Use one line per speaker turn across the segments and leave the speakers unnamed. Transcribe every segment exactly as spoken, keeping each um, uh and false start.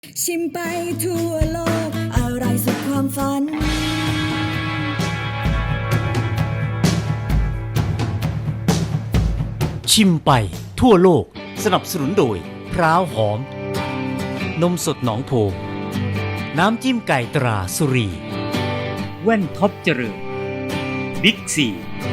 ชิมไปทั่วโลกอะไรสุดความฝัน
ชิมไปทั่วโลกสนับสนุนโดยพร้าวหอมนมสดหนองโพน้ำจิ้มไก่ตราสุรีแว่นท็อปเจริญบิ๊กซี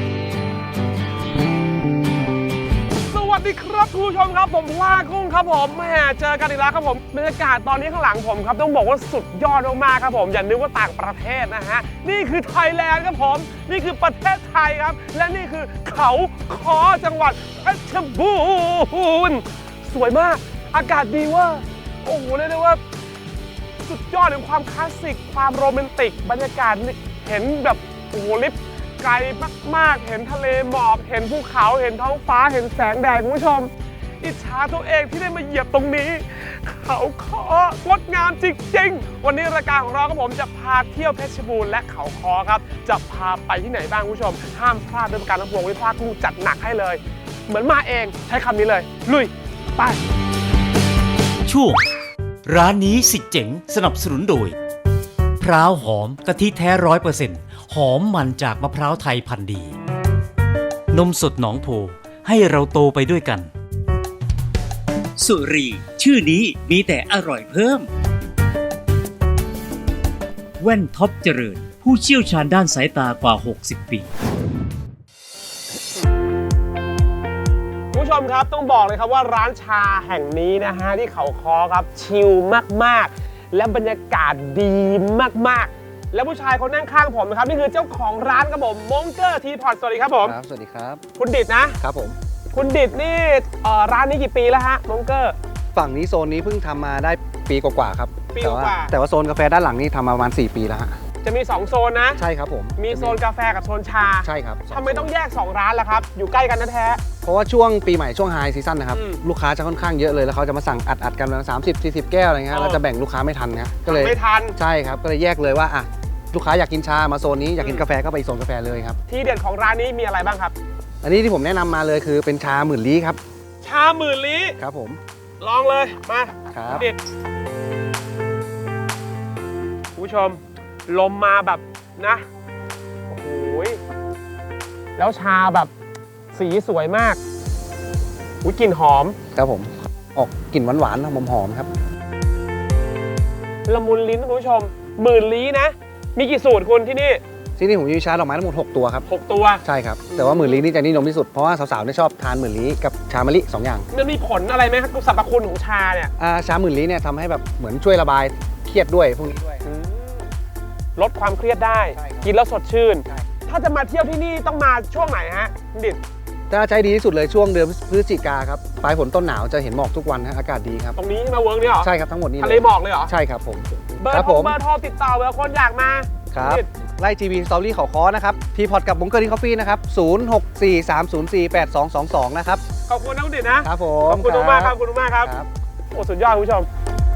สวัสดีครับคุณผู้ชมครับผมพลากุ้งครับผมแหมเจอกันอีกแล้วครับผมบรรยากาศตอนนี้ข้างหลังผมครับต้องบอกว่าสุดยอดมากๆครับผมอย่านึกว่าต่างประเทศนะฮะนี่คือไทยแลนด์ครับผมนี่คือประเทศไทยครับและนี่คือเขาคอจังหวัดเพชรบูรณ์สวยมากอากาศดีเว่าโอ้โหเรียกได้ว่าสุดยอดของความคลาสสิกความโรแมนติกบรรยากาศเห็นแบบโอ้โหลิฟไกลมากๆเห็นทะเลหมอกเห็นภูเขาเห็นท้องฟ้าเห็นแสงแดดคุณผู้ชมอิจฉาตัวเองที่ได้มาเหยียบตรงนี้เขาคองดงามจริงๆวันนี้รายการของเราครับผมจะพาเที่ยวเพชรบูรณ์และเขาคอครับจะพาไปที่ไหนบ้างคุณผู้ชมห้ามพลาดด้วยประการทั้งปวงวิพากษ์กุ้งจัดหนักให้เลยเหมือนมาเองใช้คำนี้เลยลุยไป
ช่วงร้านนี้สิเจ๋งสนับสนุนโดยพร้าวหอมกะทิแท้ร้อยเปอร์เซ็นต์หอมมันจากมะพร้าวไทยพันธุ์ดีนมสดหนองโพให้เราโตไปด้วยกันสุรีชื่อนี้มีแต่อร่อยเพิ่มแว่นท็อปเจริญผู้เชี่ยวชาญด้านสายตากว่าหกสิบปี
คุณผู้ชมครับต้องบอกเลยครับว่าร้านชาแห่งนี้นะฮะที่เขาคอครับชิลมากๆและบรรยากาศดีมากๆและผู้ชายคนนั่งข้างผมนะครับนี่คือเจ้าของร้านครับผมมงเกอร์ทีพอตสวัสดีครับผม
ครับสวัสดีครับ
คุณดิดนะครับ
ผม
คุณดิดนี่ร้านนี้กี่ปีแล้วฮะมงเกอร์
ฝั่งนี้โซนนี้เพิ่งทำมาได้ปีกว่าๆครับ
ปี
กว่าแต่ว่าโซนกาแฟด้านหลังนี่ทำมาประมาณสี่ปีแล้วฮะ
จะมีสองโซนนะ
ใช่ครับผม
มีโซนกาแฟกับโซนชา
ใช่ครับ
ทำไมต้องแยกสองร้านล่ะครับอยู่ใกล้กันแท้
เพราะว่าช่วงปีใหม่ช่วงไฮซีซั่นนะครับลูกค้าจะค่อนข้างเยอะเลยแล้วเขาจะมาสั่งอัดๆกันประมาณสามสิบสี่สิบแก้วอะไรเงี้ยเราจะแบ่งลูกค้าไม่ทันนะก็เลย
ไม่ทัน
ใช่ครับก็เลยแยกเลยว่าอ่ะลูกค้าอยากกินชามาโซนนี้อยากกินกาแฟก็ไปโซนกาแฟเลยครับ
ที่เด่นของร้านนี้มีอะไรบ้างครับ
อันนี้ที่ผมแนะนำมาเลยคือเป็นชาหมื่นลี้ครับ
ชาหมื่นลี้
ครับผม
ลองเลยมา
ครับ
คุณผู้ชมลมมาแบบนะโอ้โหแล้วชาแบบสีสวยมากอุ้ยกลิ่นหอม
ครับผมออกกลิ่นหวานๆหอมหอมครับ
ละมุนลิ้นคุณผู้ชมหมื่นลี้นะมีกี่สูตรคุณที่นี่
ที่นี่ผมมีชาดอกไม้ทั้งหมดหกตัวครับ
หกตัว
ใช่ครับแต่ว่าหมื่นลี้นี่จะนิยมที่สุดเพราะว่าสาวๆเนี่ยชอบทานหมื่นลี้กับชามะลิสองอย่าง
มันมีผลอะไรไหมครับสรรพคุณของชาเนี่ย
อ่าชาหมื่นลี้เนี่ยทำให้แบบเหมือนช่วยระบายเครียดด้วยพวกนี้ด้วย
ลดความเครียดได้กินแล้วสดชื่นถ้าจะมาเที่ยวที่นี่ต้องมาช่วงไหนฮะดิด
ถ้าใช้ดีที่สุดเลยช่วงเดือนพฤศจิกาครับปลายฝนต้นหนาวจะเห็นหมอกทุกวันฮะอากาศดีครับ
ตรงนี้มาเวิร์กนี่เหรอ
ใช่ครับทั้งหมดนี้
ทะเลหมอกเลยเหรอ
ใช่ครับผม
เบอร์โทรเบอร์โทรติดต่อเบอร์คนอยากมา
ครับไล่ทีวีสตอรี่เขาค้อนะครับทีพอดกับบุ้งเกอร์ดิ้งคอฟฟี่นะครับศูนย์ หก สี่ สาม ศูนย์ สี่ แปด สอง สอง สองนะครับ
ขอบคุณนะคุณดิดนะครับ
ผม
ขอบคุณมากครับขอบคุณมากครับโอ้สุดยอดคุณผู้ชม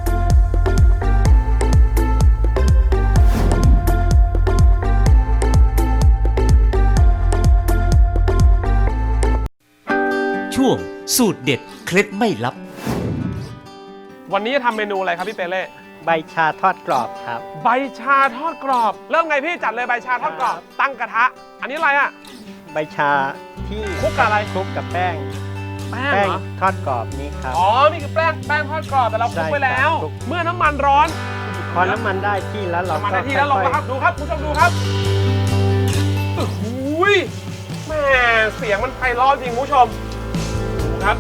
ช่วงสูตรเด็ดเคล็ดไม่ลับ
วันนี้จะทำเมนูอะไรครับพี่เปเล่
ใบชาทอดกรอบครับ
ใบชาทอดกรอบเริ่มไงพี่จัดเลยใบชาทอดกรอบตั้งกระทะอันนี้อะไรอ่ะ
ใบชาที่
คลุกกับอะไร
คลุกกับแป้ง
แป้ง
ทอดกรอบนี้ครับ
อ๋อนี่คือแป้งแป้งทอดกรอบแต่เราคลุกไปแล้วเมื่อน้ำมันร้อน
พอน้ำมันได้ที่แล้วเรา
น้ำมันได้ที่แล้วลงนะครับดูครับคุณผู้ชมดูครับโอ้โหแม่เสียงมันไพเราะจริงคุณผู้ชมครับ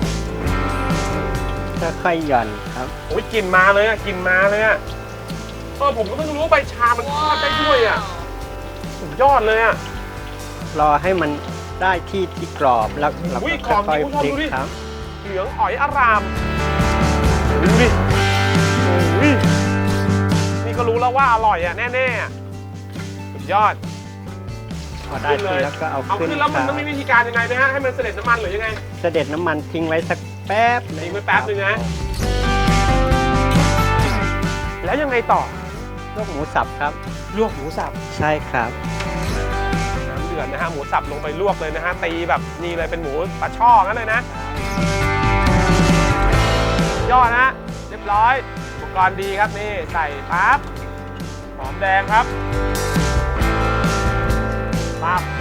ค่อยๆหย่อนครับ
โอ้ยกลิ่นมาเลยอ่ะกลิ่นมาเลยอ่ะเออผมก็เพิ่งรู้ใบชามันทอดได้ด้วยอ่ะสุดยอดเลยอ่ะ
รอให้มันได้ที่ที่กรอบแล้วเราก็ค่อยๆพลิกครับ
เหลืองอ๋อยอารามดูดิโอ้ยนี่ก็รู้แล้วว่าอร่อยอ่ะแน่ๆสุดยอด
พอได้ที่แล้วก็เอา
เอาขึ้นแล้วมันต้องมีวิธีการยังไงไหมฮะให้มันเสด็จน้ำมันหรือยังไง
เสด็จน้ำมันทิ้งไว้สักแป๊บ
ทิ้งไว้แป๊บนึงนะแล้วยังไงต่อ
ลวกหมูสับครับ
ลวกหมูสับ
ใช่ครับ
น้ำเดือดนะฮะหมูสับลงไปลวกเลยนะฮะตีแบบนี่เลยเป็นหมูปลาช่องั้นเลยนะยอดนะเรียบร้อยโอเคกรณ์ดีครับนี่ใส่ปั๊บหอมแดงครับปั๊บ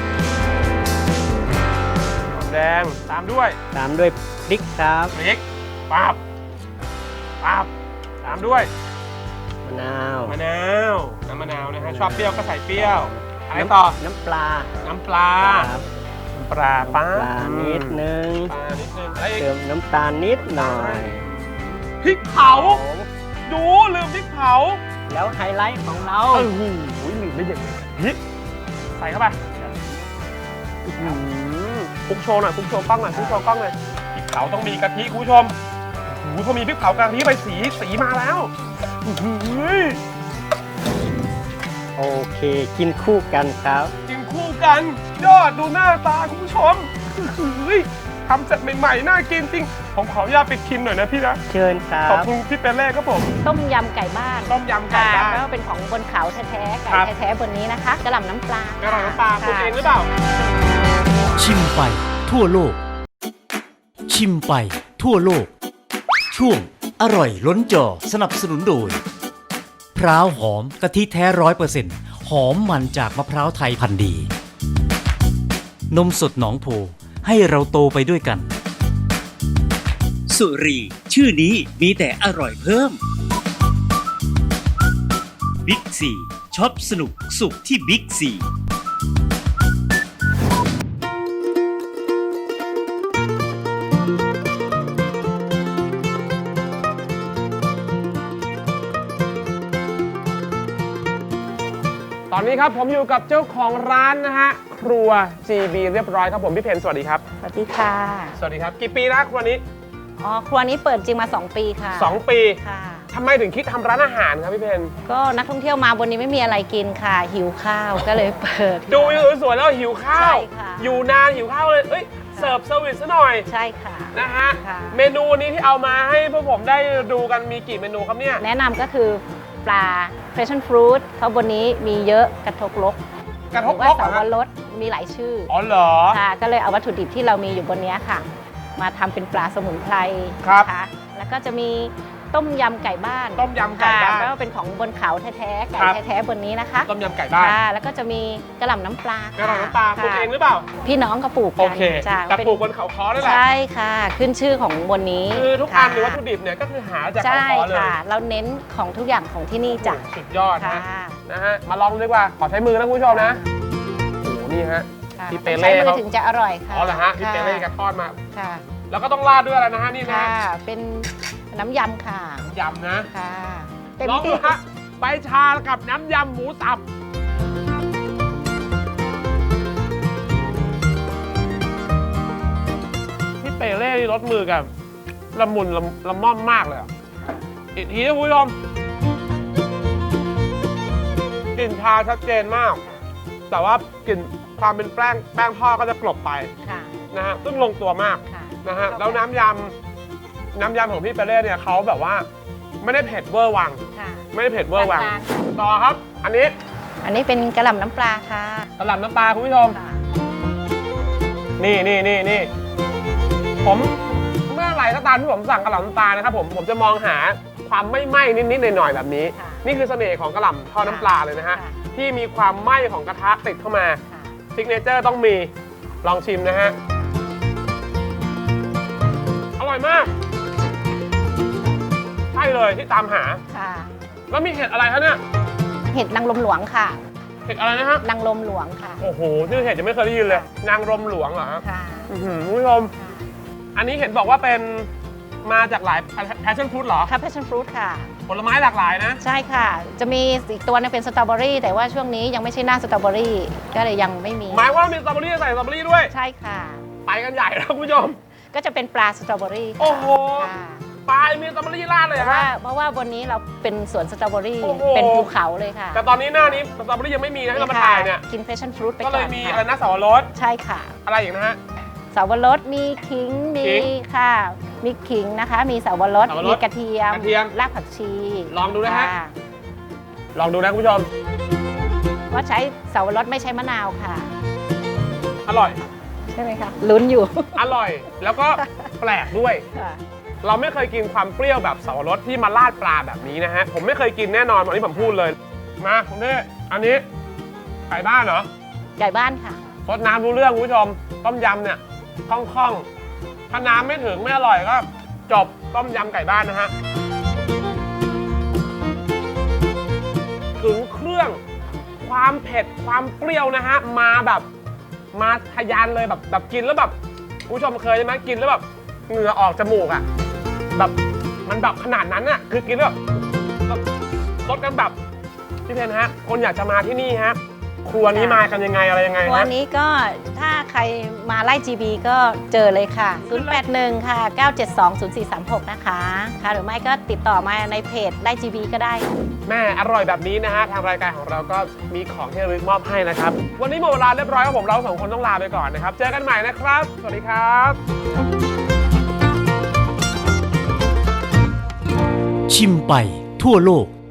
หอมแดงตามด้วย
ตามด้วยพริกครับ
พริกปั๊บปั๊บตามด้วย
มะนาว
มะนาวน้ำมะนาวนะฮะชอบเปรี้ยวก็ใส่เปรี้ยวอะไรต่อ
น้ำปลา
น้ำปลา
ครับ
น้ำปลาปั๊บ
ปลานิดนึง
ปลานิดนึงอะไรอีก
เติมน้ำตาลนิดหน่อย
พริกเผาดูลืมพริกเผา
แล้วไฮไลท์ของเรา
โอ้โหลืมได้ยังไงพริกใส่เข้าไปอื้อหือคลุกโชว์หน่อยคลุกโชว์กล้องหน่อยคลุกโชว์กล้องหน่อยพริกเผาต้องมีกะทิคุณผู้ชมโอ้โหพอมีพริกเผากะทิไปสีสีมาแล้วอื้อหือ
โอเค กินคู่กันครับ
กินคู่กันยอดดูหน้าตาคุณผู้ชมเฮ้ยทำเสร็จใหม่ๆน่ากินจริงผมขออนุญาตปิดคลิปหน่อยนะพี่นะ
เชิญครั
ขอบบ คุณพี่เปเล่ครับผม
ต้มยำไก่บ้าน
ต้มยำไก่บ้าน
ค่ะแล้วก็เป็นของบนเขาแท้ๆ
ครั
ไก่
บ
แท้ๆบนนี้นะคะกระหล่ำน้ำปลาก
ระหล่ำน้ำปลาปลูก
ค่ะ
เองหรือเปล่า
ชิมไปทั่วโลก ชิมไปทั่วโลก ช่วงอร่อยล้นจอสนับสนุนโดยพร้าวหอมกะทิแท้ร้อยเปอร์เซ็นต์หอมมันจากมะพร้าวไทยพันธุ์ดี นมสดหนองโพให้เราโตไปด้วยกัน สุรีชื่อนี้มีแต่อร่อยเพิ่มบิ๊กซีช็อปสนุกสุขที่บิ๊กซี
ตอนนี้ครับผมอยู่กับเจ้าของร้านนะฮะครัว จี บี เรียบร้อยครับผมพี่เพนสวัสดีครับ
สวัสดีค่ะ
สวัสดีครับกี่ปีแล้วครัวนี้
อ๋อครัวนี้เปิดจริงมา สอง ปีค่ะ
สอง ปี
ค่ะ
ทำไมถึงคิดทำร้านอาหารครับพี่เพน
ก็นักท่องเที่ยวมาบนนี้ไม่มีอะไรกินค่ะ หิวข้าวก็เลยเปิด
ดูวิวสวยๆแล้วหิวข้าว
ใช่ค่ะ
อยู่นานหิวข้าวเลยเอ้ยเสิร์ฟเซอร์วิสซะหน่อย
ใช่ค่ะ
นะฮะ
ค่ะ
เมนูนี้ที่เอามาให้พวกผมได้ดูกันมีกี่เมนูครับเนี่ย
แนะนำก็คือปลา passion fruit เพราะบนนี้มีเยอะกระทกลก
กระทบ
หรือว่า
ลกเหร
สา
อ
ว
ฮะ
รสมีหลายชื่อ
อ๋อเหรอ
ค่ะก็เลยเอาวัตถุดิบที่เรามีอยู่บนนี้ค่ะ มาทำเป็นปลาสมุนไพร
ครับ
นะคะแล้วก็จะมีต้มยำไก่บ้าน
ต้มยำไก่บ้าน
ค่ะแล้วก็เป็นของบนเขาแท้ๆไก่
ครับ
แท้ๆบนนี้นะคะ
ต้มยำไก่บ้าน
ค่ะแล้วก็จะมีกระหล่ำน้ำปลาก
ระหล่ำน้ำปลาปลูกเองหรือเปล่า
พี่น้องก็ปลูก
โอ
กัน
เค
จ้ะ
แต่
เป็น
ปลูกบนเขาค้อนี่แหละ
ใช่ค่ะ ขึ้นชื่อของบนนี้
คือทุกอันหรือวัต
ค่ะ
ถุดิบเนี่ยก็คือหาจากเขา
ใช่
ค้อเลย
ค่ะ เราเน้นของทุกอย่างของที่นี่จ้ะ
สุดยอด
ค่ะ
นะนะฮะมาลองดูดีกว่าขอใช้มือนะคุณผู้ชมนะโอ้โหนี่ฮะ
ค่ะ
พี่เป
ต้อง
เล่
ใช้มือ
เขา
ถึงจะอร่อยค่ะ
อ๋อเหรอฮะพี่
ค่
เปเล่แกทอดมา
ค่ะ
แล้วก็ต้องราดด้วยอะไรนะฮะนี่นะ
ค่ะ เป็นน้ำยำค่ะ
ยำนะ
ค่ะเต็ม
ลองดู
ที่
ฮะใบชากับน้ำยำหมูสับพี่เปเล่นี่รสมือกับละมุนละละม่อมมากเลยอะอีกทีนะคุณผู้ชมกลิ่นชาชัดเจนมาก แต่ว่ากลิ่นความเป็นแป้งแป้งทอดก็จะกลบไป
ค่ะ
นะฮะซึ่งลงตัวมาก
ค่ะ
นะฮะแล้วน้ำยำน้ำยำของพี่เปเล่เนี่ยเขาแบบว่าไม่ได้เผ็ดเวอร์วัง
ค่ะ
ไม่ได้เผ็ดเวอร์วัง
กลางๆค่ะ
ต่อครับ อันนี้
อันนี้เป็นกระหล่ำน้ำปลาค่ะ
กระหล่ำน้ำปลาคุณผู้ชม
ค่ะ
นี่นี่นี่นี่ผมเมื่อไหร่ก็ตามที่ผมสั่งกระหล่ำน้ำปลานะครับผมผมจะมองหาความไม่ไหม้นิดๆหน่อยๆแบบนี้
ค่ะ
นี่คือเสน่ห์ของกระหล่ำทอดน้ำปลาเลยนะฮะ
ค่ะ
ที่มีความไหม้ของกระทะติดเข้ามา
ค่ะ
ซิกเนเจอร์ต้องมีลองชิมนะฮะอร่อยมากใช่เลยที่ตามหา
ค่ะ
แล้วมีเห็ดอะไรคะเนี่ย
เห็ดนางรมหลวงค่ะ
เห็ดอะไรนะฮะ
นางรมหลวงค่ะ
โอ้โหชื่อเห็ดจะไม่เคยได้ยินเลย นางรมหลวงเหรอฮะ
ค่ะ
อื้อหือคุณผู้ชมอันนี้เห็นบอกว่าเป็นมาจากหลาย passion fruit เหรอ
ค่ะ passion fruit ค่ะ
ผลไม้หลากหลายนะ
ใช่ค่ะ จะมีอีกตัวนึงเป็นสตรอเบอรี่แต่ว่าช่วงนี้ยังไม่ใช่หน้าสตรอเบอรี่ก็เลยยังไม่มี
หมายว่ามีสตรอเบอรี่ใส่สตรอเบอรี่ด้วย
ใช่ค่ะ
ไปกันใหญ่แล้วคุณผู้ชม
ก็จะเป็นปลาสตรอเบอรี่ค่ะ
โอ้โห
ค่ะ
ปลายมีสตรอเบอรี่ราดเลย
เพ
เหรอ
ราะว่า
ฮะ
เพราะว่าบนนี้เราเป็นสวนสตรอเบอรี่
โอ้โห
เป็นภูเขาเลยค่ะ
แต่ตอนนี้หน้านี้สตรอเบอรี่ยังไม่มีนะให้เรามาถ่ายเนี่ย
กิน passion fruit ไป
ก็
ก่
เล
อย น
มี
ค่ะ
อะไรนะสาวรส
ใช่ค่ะ
อะไรอีกนะฮะ
สาวรสมีขิงมี
ขิง
ค่ะ มีขิงนะคะ มีสาวรส
สาวรส
มีกระเทียม
กระเทียม
รากผักชี
ลองดูนะฮะ
ค่
ลองดูนะคุณผู้ชม
ว่าใช้สาวรสไม่ใช้มะนาวค่ะ
อร่อย
ใช่ไหมคะลุ้นอยู่
อร่อย แล้วก็แปลกด้วย
ค่ะ
เราไม่เคยกินความเปรี้ยวแบบสับปะรดที่มาราดปลาแบบนี้นะฮะผมไม่เคยกินแน่นอนวันนี้ผมพูดเลยมาคุณพี่อันนี้ไก่บ้านเหรอ
ไก่บ้านค่ะ
ซดน้ำรู้เรื่องคุณผู้ชมต้มยำเนี่ยคล่องๆถ้าน้ำไม่ถึงไม่อร่อยก็จบต้มยำไก่บ้านนะฮะถึงเครื่องความเผ็ดความเปรี้ยวนะฮะมาแบบมาทะยานเลยแบบแบบกินแล้วแบบคุณผู้ชมเคยใช่ไหมกินแล้วแบบเหงื่อออกจมูกอ่ะแบบมันแบบขนาดนั้นอ่ะคือกินแล้วแบบรสกันแบบพี่เพนฮะคนอยากจะมาที่นี่ฮะครัวนี้มากันยังไงอะไรยังไงฮะ
วันนี้ก็ถ้าใครมาไล่ จี บี ก็เจอเลยค่ะ ศูนย์ แปด หนึ่ง ค่ะ เก้า เจ็ด สอง ศูนย์ สี่ สาม หก นะคะค่ะหรือไม่ก็ติดต่อมาในเพจไล่ จี บี ก็ได้
แม่อร่อยแบบนี้นะฮะทางรายการของเราก็มีของที่ระลึกมอบให้นะครับวันนี้หมดเวลาเรียบร้อยครับผมเราสองคนต้องลาไปก่อนนะครับเจอกันใหม่นะครับสวัสดีครับ
ชิมไปทั่วโลก